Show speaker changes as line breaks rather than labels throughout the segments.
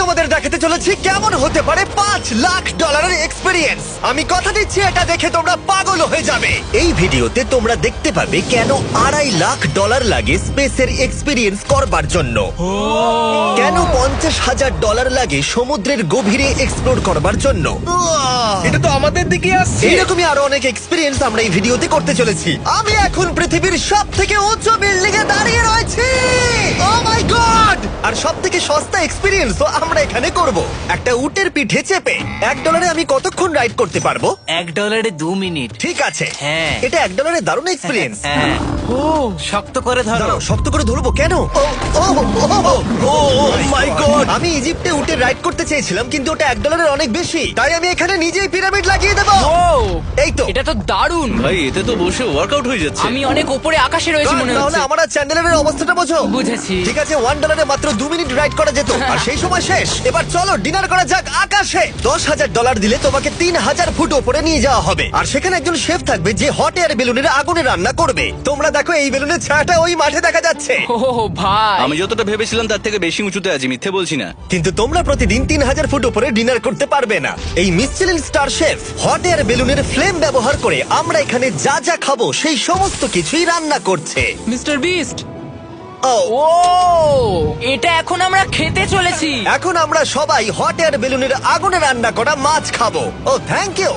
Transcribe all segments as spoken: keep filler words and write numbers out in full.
তোমাদের দেখাতে চলেছি কেমন হতে পারে পাঁচ লাখ ডলারের এক্সপিরিয়েন্স। আমি কথা দিচ্ছি এটা দেখে তোমরা পাগল হয়ে যাবে। এই ভিডিওতে তোমরা দেখতে পাবে কেন আড়াই লাখ ডলার লাগে স্পেসের এক্সপিরিয়েন্স করবার জন্য, কেন পঞ্চাশ হাজার ডলার লাগে সমুদ্রের গভীরে এক্সপ্লোর করবার জন্য।
এটা তো আমাদের দিকে আসছে।
এইরকমই আরো অনেক এক্সপিরিয়েন্স আমরা এই ভিডিওতে করতে চলেছি। আমি এখন পৃথিবীর সব থেকে উঁচু বিল্ডিং এ দাঁড়িয়ে রয়েছি। ও মাই গড! আর সব থেকে সস্তা এক্সপিরিয়েন্সও আমরা এখানে করব, একটা উটের পিঠে চেপে। এক ডলারে আমি কতক্ষণ রাইড করতে পারবো?
এক ডলারে দু মিনিট।
ঠিক আছে,
হ্যাঁ।
এটা এক ডলারে দারুণ এক্সপিরিয়েন্স।
হ্যাঁ। ও শক্ত করে ধরো।
দাঁড়াও, শক্ত করে ধরবো কেন? Oh oh oh my god! আমি ইজিপ্টে উটে রাইড করতে চেয়েছিলাম, কিন্তু ওটা এক ডলারের অনেক বেশি, তাই আমি এখানে নিজেই পিরামিড লাগিয়ে দেবো।
ও
এই তো।
এটা তো দারুণ।
ভাই এতে তো বসে ওয়ার্কআউট হয়ে যাচ্ছে।
আমি অনেক উপরে আকাশে রয়েছি মনে
তাহলে
হচ্ছে।
আমার আর চ্যান্ডেলের অবস্থাটা বোঝো।
বুঝেছি।
ঠিক আছে, ওয়ান ডলারে মাত্র দু মিনিট রাইড করা যেত, আর সেই সময় শেষ। এবার চলো ডিনার করা যাক আকাশে। দশ হাজার ডলার দিলে তোমাকে তিন হাজার ফুট ওপরে নিয়ে যাওয়া হবে, আর সেখানে একজন শেফ থাকবে যে হট এয়ার বেলুনের আগুনে রান্না করবে। তোমরা দেখো এই বেলুনের ছায়াটা ওই মাঠে দেখা যাচ্ছে।
ও ভাই,
আমি যতটা ভেবেছিলাম তার থেকে বেশি উঁচুতে আছি, মিথ্যে বলছি না।
কিন্তু তোমরা প্রতিদিন তিন হাজার ফুট উপরে ডিনার করতে পারবে না। এই Michelin star chef hot air বেলুনের ফ্লেম ব্যবহার করে আমরা এখানে যা যা খাবো সেই সমস্ত কিছুই রান্না করছে।
Mister beast.
ও
ও এটা এখন আমরা খেতে চলেছি।
এখন আমরা সবাই হট এয়ার বেলুনের আগুনে রান্না করা মাছ খাবো। Oh thank you.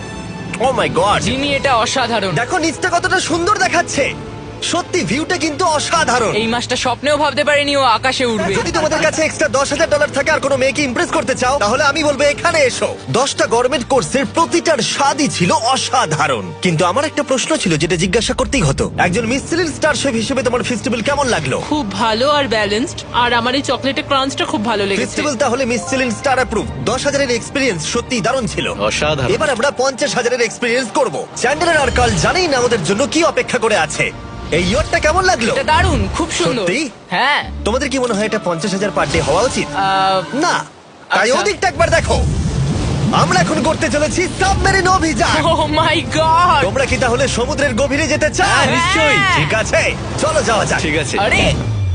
Oh my god,
Jimmy এটা অসাধারণ।
দেখো নিচটা কতটা সুন্দর দেখাচ্ছে। সত্যি ভিউটা কিন্তু অসাধারণ।
এই মাসটা স্বপ্নেও ভাবতে পারিনি ও আকাশে উঠবে।
যদি তোমাদের কাছে এক্সট্রা দশ হাজার ডলার থাকে আর কোনো মেয়েকে ইমপ্রেস করতে চাও, তাহলে আমি বলবো এখানে এসো। দশটা গভর্নমেন্ট কোর্সের প্রতিটার স্বাদই ছিল অসাধারণ। কিন্তু আমার একটা প্রশ্ন ছিল যেটা জিজ্ঞাসা করতেই হতো, একজন মিশেলিন স্টার শেফ হিসেবে তোমার ফেস্টিভ্যাল কেমন লাগলো?
খুব ভালো আর ব্যালেন্সড, আর আমার এই চকলেটের ক্রাঞ্চটা খুব ভালো লেগেছে।
ফেস্টিভ্যাল তাহলে মিশেলিন স্টার অ্যাপ্রুভ। দশ হাজারের এক্সপিরিয়েন্স সত্যি দারুণ ছিল।
অসাধারণ।
এবার আমরা পঞ্চাশ হাজারের এক্সপিরিয়েন্স করব। চ্যান্ডেলার আর কার্ল জানেই না আমাদের জন্য কি অপেক্ষা করে আছে। এই ইয়ারটা কেমন লাগলো?
এটা দারুণ, খুব সুন্দর।
সত্যি?
হ্যাঁ।
তোমাদের কি মনে হয় এটা পঞ্চাশ হাজার পার ডে হওয়া উচিত?
আহ,
না, তাই
আচ্ছা।
ওদিকটা একবার দেখো। আমরা এখন করতে চলেছি সাবমেরিন অভিযান।
Oh my god.
তোমরা কি তাহলে সমুদ্রের গভীরে যেতে চাও?
হ্যাঁ, নিশ্চয়ই।
ঠিক আছে, চলো যাওয়া যাক।
ঠিক আছে।
আরে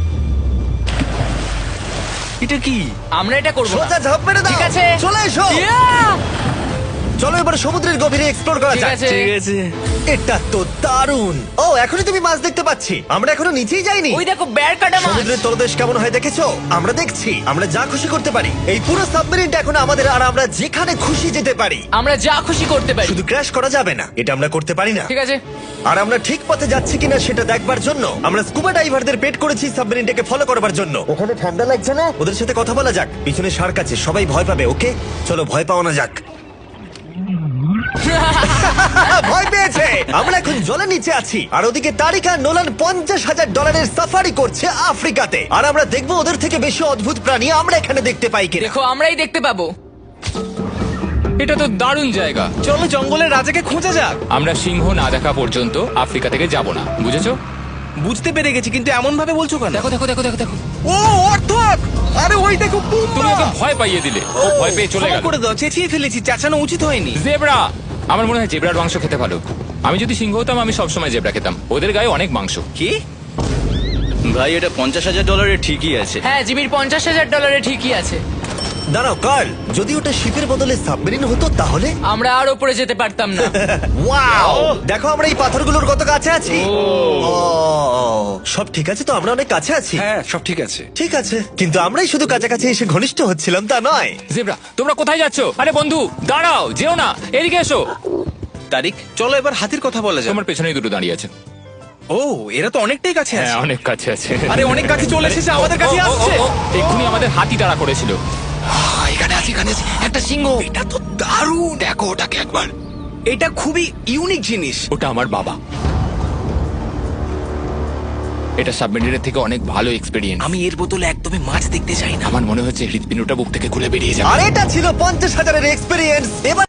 এটা কি?
আমরা এটা করব না।
সোজা ঝাঁপ মেরে দাও।
ঠিক আছে।
চলে এসো।
Yeah!
চলো এবার সমুদ্রের গভীরে এক্সপ্লোর করা
ঠিক
যাক।
আছে।
ঠিক আছে।
এটা তো দারুণ। ও এখনই তুমি মাছ দেখতে পাচ্ছি, আমরা এখনো নিচেই যাইনি।
ওই দেখো বের কাটা মাছ।
সমুদ্রের তলদেশ কেমন হয় দেখেছো? আমরা দেখছি, আমরা যা খুশি করতে পারি। এই পুরো সাবমেরিনটা এখন আমাদের, আর আমরা যেখানে খুশি যেতে পারি।
আমরা যা খুশি করতে পারি।
শুধু ক্র্যাশ করা যাবে না, এটা আমরা করতে পারি না।
ঠিক আছে।
আর আমরা ঠিক পথে যাচ্ছি কিনা সেটা দেখবার জন্য আমরা স্কুবা ডাইভারদের পেড করেছি সাবমেরিনটাকে ফলো করবার জন্য। ওখানে ঠান্ডা লাগছে না? ওদের সাথে কথা বলা যাক। পিছনে শার্ক আছে, সবাই ভয় পাবে। ওকে চলো ভয় পাওয়া যাক। ভয় পেয়েছে। আমরা এখন জলের নিচে আছি, আর ওদিকে তারিকা নোলান পঞ্চাশ হাজার ডলারের সাফারি করছে আফ্রিকাতে। আর আমরা দেখবো ওদের থেকে বেশি অদ্ভুত প্রাণী আমরা এখানে দেখতে পাই কিনা।
দেখো আমরাই দেখতে পাবো।
এটা তো দারুণ জায়গা।
চলো জঙ্গলের রাজাকে খোঁজা যাক।
আমরা সিংহ না দেখা পর্যন্ত আফ্রিকা থেকে যাব না, বুঝেছো?
বুঝতে পেরে গেছি, কিন্তু এমন ভাবে বলছো কেন?
দেখো দেখো দেখো দেখো দেখো।
ও অর্থক! আরে ওই দেখো
তুমি ওকে ভয় পাইয়ে দিলে, ও ভয় পেয়ে চলে
ক্ষমা
গেল।
করে দাও, চেঁচিয়ে ফেলেছি, চাচানো উচিত হয়নি।
জেব্রা, আমার মনে হয় জেব্রার মাংস খেতে ভালো। আমি যদি সিংহ হতাম আমি সবসময় জেব্রা খেতাম, ওদের গায়ে অনেক মাংস।
কি ভাই, এটা পঞ্চাশ হাজার ডলারের ঠিকই আছে।
হ্যাঁ, জিমির পঞ্চাশ হাজার ডলারে ঠিকই আছে।
দাঁড়াও কার্ল, যদি ওটা শিপের বদলে সাবমেরিন হতো তাহলে?
আমরা আর উপরে যেতে পারতাম না।
ওয়াও, দেখো আমরা এই পাথরগুলোর কত কাছে আছি। ও, সব ঠিক আছে তো? আমরা অনেক কাছে আছি।
হ্যাঁ সব ঠিক আছে।
ঠিক আছে, কিন্তু আমরাই শুধু কাছাকাছি এসে ঘনিষ্ঠ হচ্ছিলাম তা নয়।
জেব্রা, তোমরা কোথায় যাচ্ছো? আরে বন্ধু দাঁড়াও, যেও না, এদিকে এসো।
তারিক, চলো এবার হাতির কথা বলা যাক।
তোমার পেছনেই দুটো দাঁড়িয়ে আছে।
ও, এরা তো অনেকটাই কাছে
হ্যাঁ,
আছে।
অনেক কাছে আছে।
আরে অনেক কাছে চলে এসেছে, আমাদের কাছে
ও, ও, ও,
আসছে।
ও, এক্ষুনি আমাদের হাতি তাড়া করেছিল।
এখানে আছে, এখানে আছে একটা সিংহ। এটা তো দারুণ, দেখো ওটাকে একবার। এটা খুবই ইউনিক জিনিস।
ওটা আমার বাবা। এটা সাবমেরিনের থেকে অনেক ভালো এক্সপেরিয়েন্স।
আমি এর বোতলে একদমই মাছ দেখতে চাই না।
আমার মনে হচ্ছে হৃৎপিণ্ডটা বুক থেকে খুলে বেরিয়ে যাবে।
আর এটা ছিল পঞ্চাশ হাজারের এক্সপিরিয়েন্স। এবার